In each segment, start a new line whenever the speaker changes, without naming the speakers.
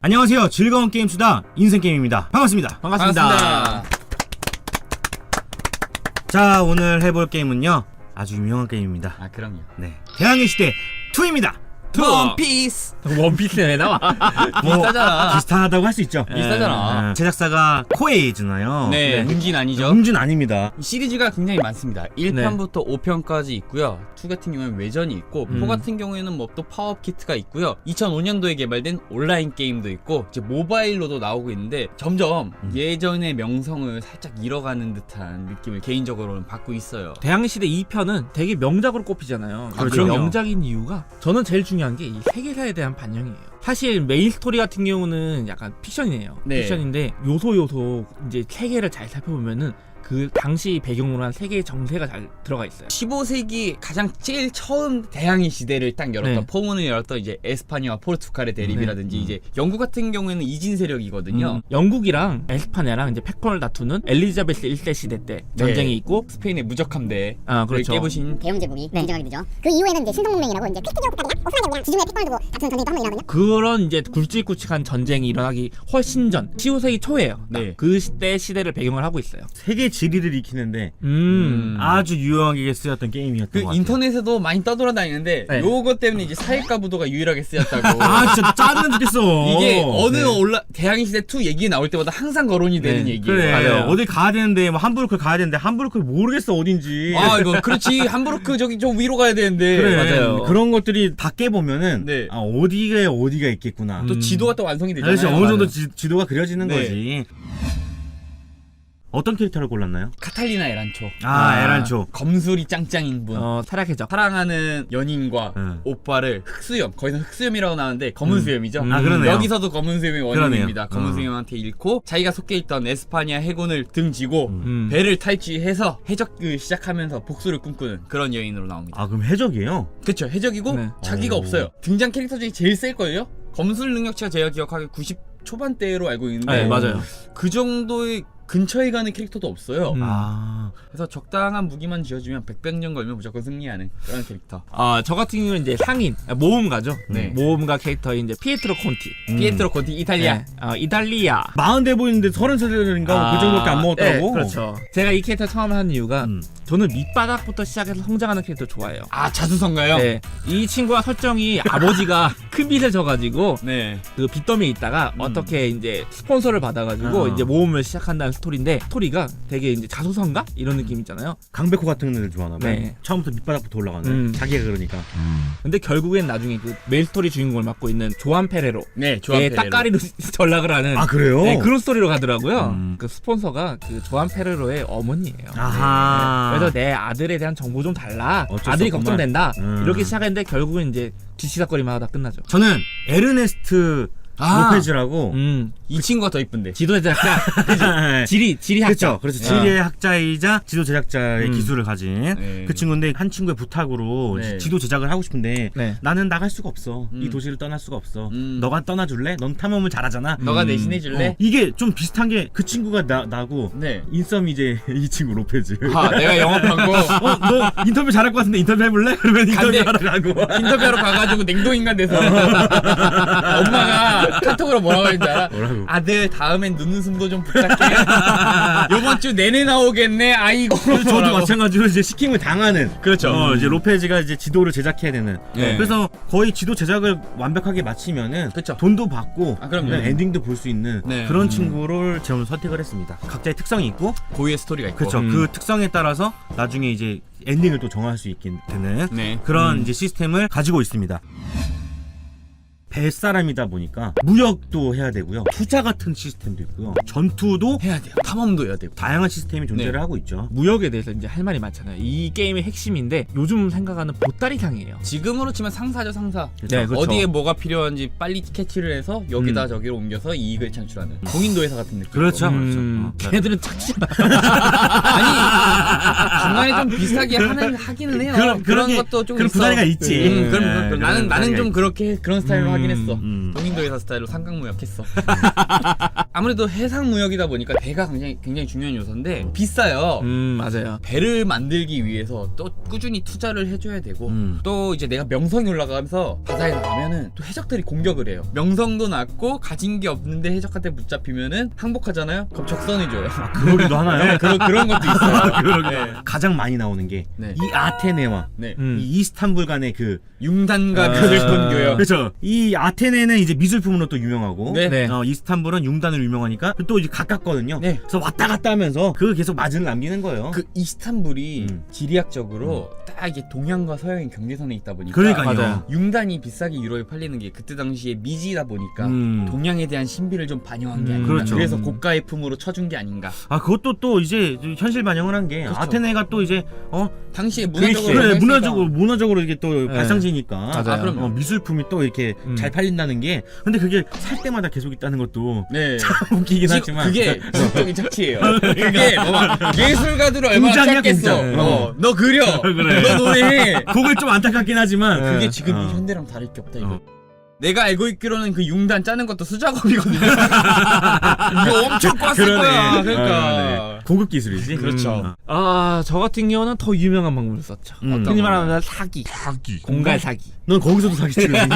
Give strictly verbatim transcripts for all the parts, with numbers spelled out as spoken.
안녕하세요. 즐거운 게임 수다 인생게임입니다. 반갑습니다.
반갑습니다.
반갑습니다.
자, 오늘 해볼 게임은요, 아주 유명한 게임입니다.
아 그럼요.
네, 대항해 시대 이입니다.
원피스.
원피스에 왜 나와?
뭐,
비슷하잖아.
비슷하다고 할 수 있죠.
비슷하잖아.
네, 제작사가 코에이즈나요.
네, 문진 아니죠?
음준 아닙니다.
이 시리즈가 굉장히 많습니다. 일 편부터 오 편까지 있고요. 이 같은 경우에는 외전이 있고,
음.
사 같은 경우에는 뭐 또 파워업 키트가 있고요. 이천오 년도에 개발된 온라인 게임도 있고, 이제 모바일로도 나오고 있는데 점점
음.
예전의 명성을 살짝 잃어가는 듯한 느낌을 개인적으로는 받고 있어요.
대항시대 이 편은 되게 명작으로 꼽히잖아요.
아,
그
그럼요.
명작인 이유가 저는 제일 중요한 게 이 세계사에 대한 반영이에요. 사실 메인 스토리 같은 경우는 약간 픽션이에요.
네.
픽션인데 요소 요소 이제 세계를 잘 살펴보면은 그 당시 배경으로 한 세계의 정세가 잘 들어가 있어요.
십오 세기 가장 제일 처음 대항해 시대를 딱 열었던,
네.
포문을 열었던 이제 에스파냐와 포르투갈의 대립이라든지,
네.
이제 영국 같은 경우에는 이진 세력이거든요.
음, 영국이랑 에스파냐랑 이제 패권을 다투는 엘리자베스 일 세 시대 때 전쟁이 있고,
스페인의 무적함대
아 그렇죠.
깨부신
대영 제국이 인정하게 되죠. 그 이후에는 이제 신성문명이라고 이제 크리스티아국가들이랑 오스만이랑 지중해 패권을 두고 다투는 전쟁이 또 한 번 일어나거든요.
그런 이제 굵직굵직한 전쟁이 일어나기 훨씬 전 십오 세기 초예요.
네.
그 시대 시대를 배경을 하고 있어요.
세계 지리를 익히는데
음.
음.
아주 유용하게 쓰였던 게임이었던
그
것 같아요.
인터넷에도 많이 떠돌아다니는데,
네.
요거 때문에 이제 사회과 부도가 유일하게 쓰였다고.
아, 진짜 짜증나 죽겠어.
이게 어느
네.
올라 대항해 시대 이 얘기 나올 때마다 항상 거론이 되는
네.
얘기예요.
그래,
맞아요.
어디 가야 되는데 뭐 함부르크 가야 되는데 함부르크 모르겠어 어딘지.
아 이거 그렇지. 함부르크 저기 좀 위로 가야 되는데.
그래,
맞아요.
그런 것들이 다 깨보면은
네.
아, 어디가 어디가 있겠구나.
음.
또 지도가 또 완성이 되잖아요.
사실 어느 정도
맞아요.
지, 지도가 그려지는
네.
거지. 어떤 캐릭터를 골랐나요?
카탈리나 에란초.
아,
아.
에란초.
검술이 짱짱인 분.
어, 타락해적.
사랑하는 연인과
응.
오빠를 흑수염, 거기서 흑수염이라고 나오는데 검은
음.
수염이죠.
음.
아, 그러네요.
여기서도 검은 수염이 원인입니다.
그러네요.
검은
어.
수염한테 잃고 자기가 속해 있던 에스파냐 해군을 등지고
음.
음.
배를 탈취해서 해적을 시작하면서 복수를 꿈꾸는 그런 여인으로 나옵니다.
아, 그럼 해적이에요?
그쵸, 해적이고
네.
자기가
오.
없어요. 등장 캐릭터 중에 제일 셀 거예요. 검술 능력치가 제가 기억하기에 구십 초반대로 알고 있는데,
네, 맞아요.
그 정도의 근처에 가는 캐릭터도 없어요.
음.
아,
그래서 적당한 무기만 지어주면 백병년 걸면 무조건 승리하는 그런 캐릭터.
아, 저 같은 경우는 이제 상인, 아, 모험가죠.
네.
모험가 캐릭터인 이제 피에트로 콘티.
음.
피에트로 콘티 이탈리아.
네. 어, 이탈리아.
마흔 대 보이는데 서른 살인가 그 정도밖에 안 먹었다고?
네, 그렇죠. 제가 이 캐릭터 처음 하는 이유가
음.
저는 밑바닥부터 시작해서 성장하는 캐릭터 좋아해요.
아 자수성가요?
네. 이 친구가 설정이 아버지가 큰 빚을 져가지고
네.
그 빚더미에 있다가
음.
어떻게 이제 스폰서를 받아가지고
어.
이제 모험을 시작한다는 스토리인데, 스토리가 되게 이제 자소성가 이런 느낌 있잖아요.
강백호 같은 애들 좋아하나 봐요.
네.
처음부터 밑바닥부터 올라가네.
음.
자기가 그러니까.
근데 결국엔 나중에 그 메인 스토리 주인공을 맡고 있는 조한 페레로.
네. 조한
예,
페레로.
딱까리로 전락을 하는.
아, 그래요?
네, 그런 스토리로 가더라고요.
음.
그 스폰서가 그 조한 페레로의 어머니예요.
아하.
네. 그래서 내 아들에 대한 정보 좀 달라.
어쩔 수
아들이
없구만.
걱정된다.
음.
이렇게 시작했는데 결국은 이제 뒤치다거리만 하다 끝나죠.
저는 에르네스트
아.
로페즈라고.
음.
이 친구가 더 이쁜데.
지도 제작자, 지리 지리 학자.
그렇죠. 그래서
네.
지리의 학자이자 지도 제작자의
음.
기술을 가진
네.
그 친구인데, 한 친구의 부탁으로
네.
지도 제작을 하고 싶은데
네.
나는 나갈 수가 없어.
음.
이 도시를 떠날 수가 없어.
음.
너가 떠나줄래? 넌 탐험을 잘하잖아.
너가
음.
대신해 줄래?
어, 이게 좀 비슷한 게, 그 친구가 나, 나고
네.
인썸 이제 이 친구 로페즈.
아 내가 영업한 거
어, 너 인터뷰 잘할 것 같은데 인터뷰 해볼래? 그러면 인터뷰
간대.
하러 가고.
인터뷰하러 가가지고 냉동인간 돼서 엄마가 카톡으로 뭐라고 했는지 알아?
뭐라고?
아들 다음엔 눈웃음도 좀 부탁해. 요번 주 내내 나오겠네. 아이고.
저도
뭐라고.
마찬가지로 이제 시킴을 당하는.
그렇죠.
어, 이제 로페즈가 이제 지도를 제작해야 되는.
네.
그래서 거의 지도 제작을 완벽하게 마치면은
그쵸.
돈도 받고,
아, 그럼요.
그다음에 엔딩도 볼 수 있는
네.
그런
음.
친구를 저는 선택을 했습니다. 각자의 특성이 있고,
고유의 스토리가 있고.
그렇죠.
음.
그 특성에 따라서 나중에 이제 엔딩을 또 정할 수 있게 되는
네.
그런
음.
이제 시스템을 가지고 있습니다. 뱃사람이다 보니까 무역도 해야 되고요, 투자 같은 시스템도 있고요, 전투도
해야 돼요. 탐험도 해야 되고.
다양한 시스템이 존재를
네.
하고 있죠.
무역에 대해서 이제 할 말이 많잖아요. 이 게임의 핵심인데 요즘 생각하는 보따리상이에요.
지금으로 치면 상사죠, 상사.
네, 그렇죠.
어디에 뭐가 필요한지 빨리 캐치를 해서 여기다
음.
저기로 옮겨서 이익을 창출하는 공인도 회사 같은 느낌.
그렇죠.
음,
그렇죠. 어,
걔네들은 착취만.
아니 중간에 좀 비슷하게 하는 하기는 해요.
그런-
그런
그런 게-
것도 좀
그런
있어.
부다리가 있지.
음, 그럼,
네,
그럼
그런
나는 나는
부다리가
좀
있지.
그렇게 그런 스타일로
음.
하긴 하긴
음,
했어.
음.
동인도 회사 스타일로 삼각무역했어. 아무래도 해상무역이다 보니까 배가 굉장히 굉장히 중요한 요소인데 비싸요.
음 맞아요.
배를 만들기 위해서 또 꾸준히 투자를 해줘야 되고
음.
또 이제 내가 명성이 올라가면서 바다에 나가면은 또 해적들이 공격을 해요. 명성도 낮고 가진 게 없는데 해적한테 붙잡히면은 항복하잖아요. 그럼 적선해줘요.
그러기도 하나요?
네, 그런 그런 것도 있어요.
그러기도
네.
가장 많이 나오는 게 이
네.
아테네와
네.
음.
이 이스탄불 간의 그
융단과
아,
그 슬픈 교역.
그렇죠. 이 아테네는 이제 미술품으로 또 유명하고
네.
네.
어, 이스탄불은 융단으로 유명하니까 또 이제 가깝거든요.
네.
그래서 왔다 갔다 하면서 그 계속 마진을 남기는 거예요.
그 이스탄불이
음.
지리학적으로 딱 이게 동양과 서양의 경계선에 있다 보니까
그러니까요.
맞아요.
융단이 비싸게 유럽에 팔리는 게 그때 당시에 미지다 보니까
음.
동양에 대한 신비를 좀 반영한 게
음,
아닌가.
그렇죠.
그래서
음.
고가의 품으로 쳐준 게 아닌가.
아 그것도 또 이제 현실 반영을 한 게
그렇죠.
아테네가 또 이제 어
당시에
그리스,
문화적으로
그래,
했으니까.
문화적으로 문화적으로 이게 또
네.
발상지니까
맞아요.
아, 그럼요.
어, 미술품이 또 이렇게
음.
잘 팔린다는 게 근데 그게 살 때마다 계속 있다는 것도
네.
참 웃기긴
지-
하지만
그게 지적인 착취예요. 그게 뭐 예술가들을 얼마나
공장이야,
짰겠어.
공장.
어, 너 그려.
그래.
너 노래해.
그걸 좀 안타깝긴 하지만
네.
그게 지금
어.
이 현대랑 다를 게 없다 이거.
어.
내가 알고 있기로는 그 융단 짜는 것도 수작업이거든요. 이거 엄청 꿨을
그러네.
거야.
어,
그러니까.
네. 고급 기술이지.
그렇죠.
음.
아 저 같은 경우는 더 유명한 방법을 썼죠.
음.
흔히 말하는 사기.
사기.
공갈 사기.
넌 거기서도 사기 치거든.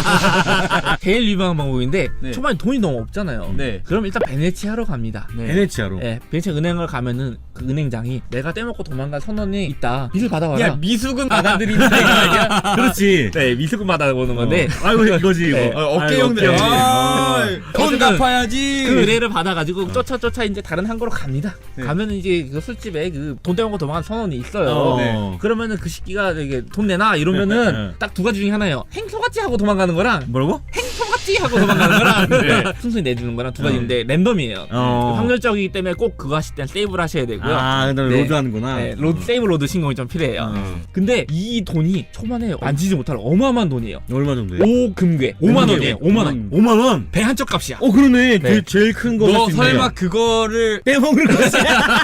제일 유명한 방법인데
네.
초반에 돈이 너무 없잖아요.
네.
그럼 일단 베네치아로 갑니다.
네.
베네치아로.
네, 베네치아 은행을 가면은 그 은행장이 내가 떼먹고 도망간 선원이 있다. 빚을 받아와라.
야 미숙은 받아들이는 거 아니야?
그렇지.
네, 미수금 받아오는 건데
어. 아이고 이거지 이거.
네.
어, 어깨형들.
아이고,
아,
어깨형들.
돈
어쨌든
갚아야지.
그 의뢰를 받아가지고 쫓아 쫓아 이제 다른 항구로 갑니다.
네.
가면은 이제 그 술집에 그 돈 떼먹고 도망간 선원이 있어요.
어.
네.
그러면은 그 새끼가 되게 돈 내놔 이러면은 딱 두 가지 중에 하나예요. 행소같이 하고 도망가는 거랑
뭐라고?
행소같이 하고 도망가는 거랑
네.
순순히 내주는 거랑 두 가지인데 랜덤이에요.
어.
확률적이기 때문에 꼭 그거 하실 땐 세이브를 하셔야 되고요.
아, 그다음에
네.
로드하는구나.
네, 로드 세이브 로드 신공이 좀 필요해요.
어.
근데 이 돈이 초반에 만지지 못할 어마어마한 돈이에요.
얼마 정도예요?
오 금괴 오만 원이에요. 오만 원.
오만 원.
배 한 쪽 값이야.
어 그러네.
네.
그 제일 큰 거.
너
할수 있네요.
설마 그거를
떼먹는 거지?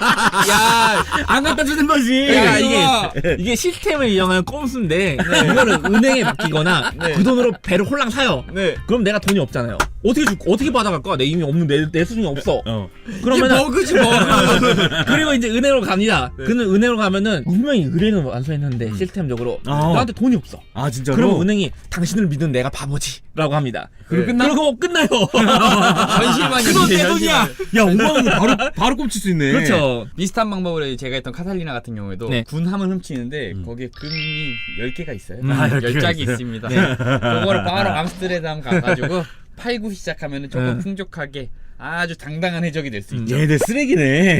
야,
안 갖다 주는 거지.
야,
이게
이거
이게 시스템을 이용한 꼼수인데 이거를 은행에 맡기거나
네.
그 돈으로 배를 홀랑 사요.
네.
그럼 내가 돈이 없잖아요. 어떻게 줄 어떻게 받아갈 거야? 내 이미 없는 내, 내 수준이 없어.
어.
그러면
그러면은
버그지 버그.
그리고 이제 은행으로 갑니다.
네.
그는 은행으로 가면은 분명히 의뢰는 완수했는데 시스템적으로
어.
나한테 돈이 없어.
아 진짜로?
그러면 은행이 당신을 믿은 내가 바보지라고 합니다.
그리고
네.
끝나?
그러고 끝나요.
현실만이
그건 내
현실만.
돈이야.
야 오만 원 바로 바로 꼽칠 수 있네.
그렇죠.
비슷한 방법으로 제가 했던 카탈리나 같은 경우에도
네.
군 함을 훔치는데
음.
거기에 금이 열 개가 있어요.
음, 아, 열
열
개가
짝이
있어요?
있습니다.
네.
그거를 바로 암스테르담 가가지고 팔고 시작하면 조금
네.
풍족하게 아주 당당한 해적이 될 수
음.
있죠.
얘들 쓰레기네.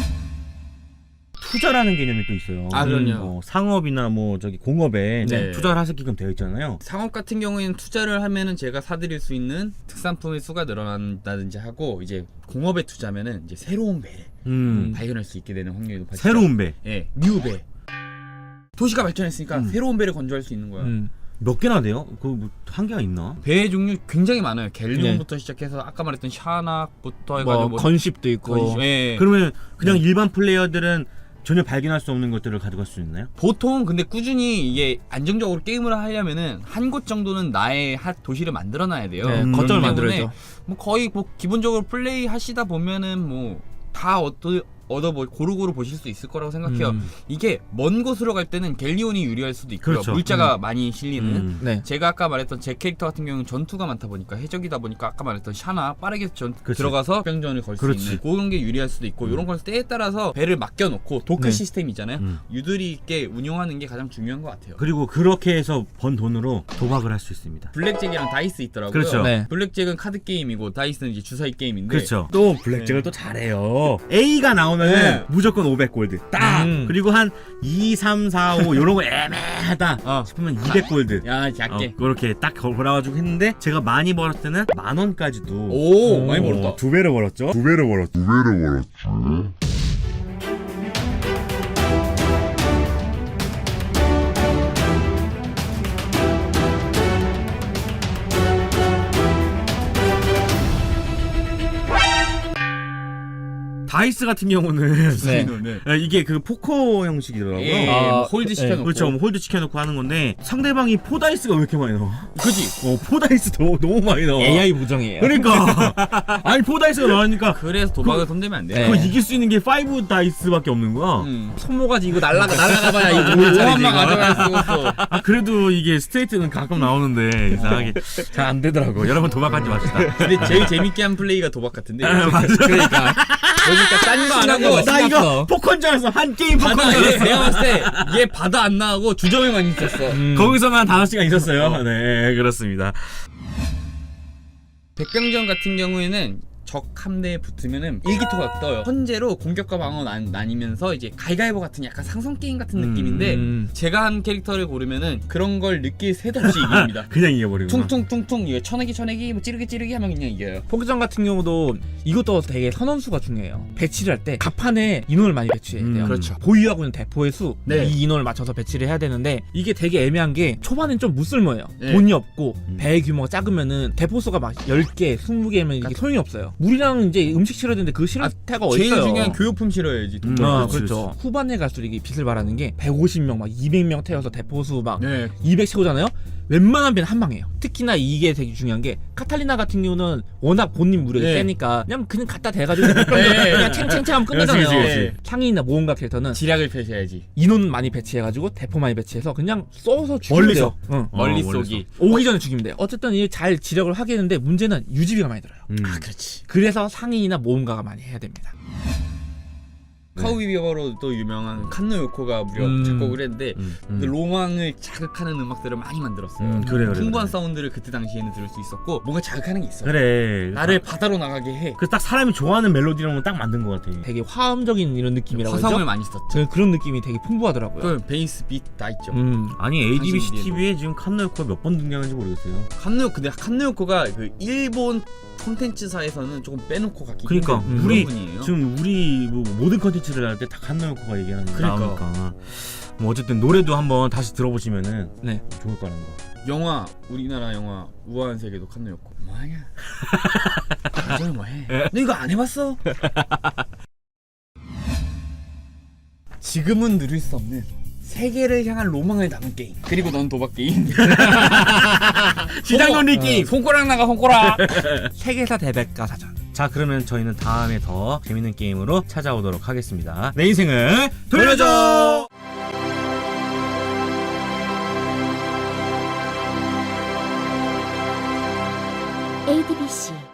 투자라는 개념이 또 있어요.
아, 그럼요.
어, 상업이나 뭐 저기 공업에
네.
투자를 하게끔 되어 있잖아요.
상업 같은 경우에는 투자를 하면은 제가 사드릴 수 있는 특산품의 수가 늘어난다든지 하고 이제 공업에 투자면은 이제 새로운 배를
음.
발견할 수 있게 되는 확률이 높아지죠.
새로운 배.
예, 뉴배. 도시가 발전했으니까
음.
새로운 배를 건조할 수 있는 거야.
음.
몇 개나 돼요? 그뭐 한계가 있나?
배의 종류 굉장히 많아요. 갤리온부터 시작해서 아까 말했던 샤낙부터 해가지고
뭐
뭐
건십도 있고.
건시- 예.
그러면 그냥 일반 플레이어들은 전혀 발견할 수 없는 것들을 가져갈 수 있나요?
보통 근데 꾸준히 이게 안정적으로 게임을 하려면은 한 곳 정도는 나의 핫 도시를 만들어놔야 돼요.
네,
음.
거점을
그렇기
만들어야죠.
때문에 뭐 거의 뭐 기본적으로 플레이 하시다 보면은 뭐 다 얻어 얻어 보 고루고루 보실 수 있을 거라고 생각해요.
음.
이게 먼 곳으로 갈 때는 갤리온이 유리할 수도 있고요.
그렇죠.
물자가 많이 실리는.
음.
네.
제가 아까 말했던 제 캐릭터 같은 경우는 전투가 많다 보니까 해적이다 보니까 아까 말했던 샤나 빠르게 전
그치.
들어가서 병전을 걸 수
그렇지.
있는 그런 게 유리할 수도 있고
음.
이런 걸 때에 따라서 배를 맡겨놓고 도크
네.
시스템 있잖아요.
음.
유들이 있게 운용하는 게 가장 중요한 것 같아요.
그리고 그렇게 해서 번 돈으로 도박을 할 수 있습니다.
블랙잭이랑 다이스 있더라고요.
그렇죠.
네.
블랙잭은 카드 게임이고 다이스는 이제 주사위 게임인데
그렇죠. 또 블랙잭을
네.
또 잘해요. A가 나오면은
네.
무조건 오백 골드. 딱.
음.
그리고 한 이, 삼, 사, 오 요런 거 애매하다
어.
싶으면 이백 골드.
야
어,
작게.
그렇게 딱 걸어가지고 했는데 제가 많이 벌었을 때는 만 원까지도
오, 많이 벌었다.
어, 두 배를 벌었죠. 두 배를 벌었죠. 두 배를 벌었죠. 다이스 같은 경우는
네.
네.
이게 그 포커 형식이더라고요.
예,
아,
뭐 홀드
네.
시켜놓고.
그렇죠. 뭐 홀드 시켜놓고 하는 건데 상대방이 포다이스가 왜 이렇게 많이 나와?
그지.
어 포다이스 너무 너무 많이 나와.
에이아이 보정이에요.
그러니까 아니 포다이스가 나오니까
그래서 도박을 손대면 안 돼.
네.
그거 이길 수 있는 게 파이브 다이스밖에 없는 거야.
음.
손모가지 이거 날라가 날라가봐야 이거
오만만 가져갈 수 없어.
아 그래도 이게 스트레이트는 가끔 나오는데 이상하게 잘 안 되더라고. 여러분 도박하지 맙시다.
근데 제일 재밌게 한 플레이가 도박 같은데.
맞아.
그러니까
그러니까 딴 거 안 하고
나 이거
신났어.
포커인 줄 알았어. 한 게임 포커인
바다
줄
얘
알았어.
내가 봤을 때 얘 바다 안 나가고 주점에만 있었어.
음.
거기서만 다섯 시간 있었어요. 네 그렇습니다.
백병전 같은 경우에는 적 함대에 붙으면은 일기토가 떠요. 현재로 공격과 방어 나, 나뉘면서 이제 가위가위보 같은 약간 상성 게임 같은
음,
느낌인데
음.
제가 한 캐릭터를 고르면은 그런 걸 느낄 새도 없이 이깁니다.
그냥 이겨버리고.
퉁퉁퉁퉁 이거 쳐내기 쳐내기 뭐 찌르기 찌르기 하면 그냥 이겨요.
포기전 같은 경우도 이것도 되게 선원수가 중요해요. 배치를 할 때 갑판에 인원을 많이 배치해야 돼요.
음,
그렇죠.
보유하고 있는 대포의 수,
네.
이 인원을 맞춰서 배치를 해야 되는데 이게 되게 애매한 게 초반엔 좀 무쓸모예요.
네.
돈이 없고
음.
배의 규모가 작으면은 대포 수가 막 열 개, 스무 개면 이게 소용이 없어요. 물이랑 이제 음식 실어야 되는데 그 실을 태가 어디
제일
있어요.
중요한 교육품 실어야지. 돈
음,
벌
아,
때.
그렇지,
그렇죠. 후반에 갈수록 이게 빛을 발하는 게 백오십 명, 막 이백 명 태워서 대포수 막
네.
이백 채우잖아요. 웬만한 배는 한 방이에요. 특히나 이게 되게 중요한 게 카탈리나 같은 경우는 워낙 본인 무력이
네.
세니까 그냥 그냥 갖다 대가지고
네.
그냥 챙챙챙하면 끝내잖아요.
그렇지, 그렇지,
그렇지.
상인이나 모험가 캐릭터는
지략을 펼쳐야지.
인원 많이 배치해가지고 대포 많이 배치해서 그냥 쏘서 죽이면
멀리서.
돼요. 응.
어,
멀리
멀리서.
쏘기.
오기 전에 죽이면 돼요. 어쨌든 이 잘 지력을 하겠는데 문제는 유지비가 많이 들어요.
음.
아 그렇지.
그래서 상인이나 모험가가 많이 해야 됩니다.
네.
카우비버로 또 유명한 칸노 요코가 무려
음.
작곡을 했는데
음,
그
음.
로망을 자극하는 음악들을 많이 만들었어요.
음, 그래, 그래,
풍부한
그래.
사운드를 그때 당시에는 들을 수 있었고 뭔가 자극하는 게 있어.
그래.
나를 바다로 나가게 해.
그 딱 사람이 좋아하는 멜로디라면 딱 만든 것 같아.
되게 화음적인 이런 느낌이라고
화성을
하죠.
많이 썼죠.
저 그런 느낌이 되게 풍부하더라고요.
그 베이스 비트 다 있죠.
음.
아니 에이디비씨
당신이
티비에 지금 칸노요코가 몇 번 등장한지 모르겠어요.
칸노 근데 칸노 요코가 그 일본 콘텐츠사에서는 조금 빼놓고 갖기
그러니까
힘든 그런
우리
분이에요.
지금 우리 뭐 모든 컨텐츠를 할 때 다 칸노요코가 얘기하는 게
그러니까.
나오니까 뭐 어쨌든 노래도 한번 다시 들어보시면은
네.
좋을 거라는 거.
영화 우리나라 영화 우아한 세계도 칸노 요코. 뭐하냐? 나중에 뭐해? 너 이거 안 해봤어? 지금은 누릴 수 없는 세계를 향한 로망을 담은 게임. 그리고 넌 도박 게임.
시장 논리
어,
게임.
손가락 나가 손가락.
세계사 대백과 사전.
자 그러면 저희는 다음에 더 재밌는 게임으로 찾아오도록 하겠습니다. 내 인생을 돌려줘.
에이디비씨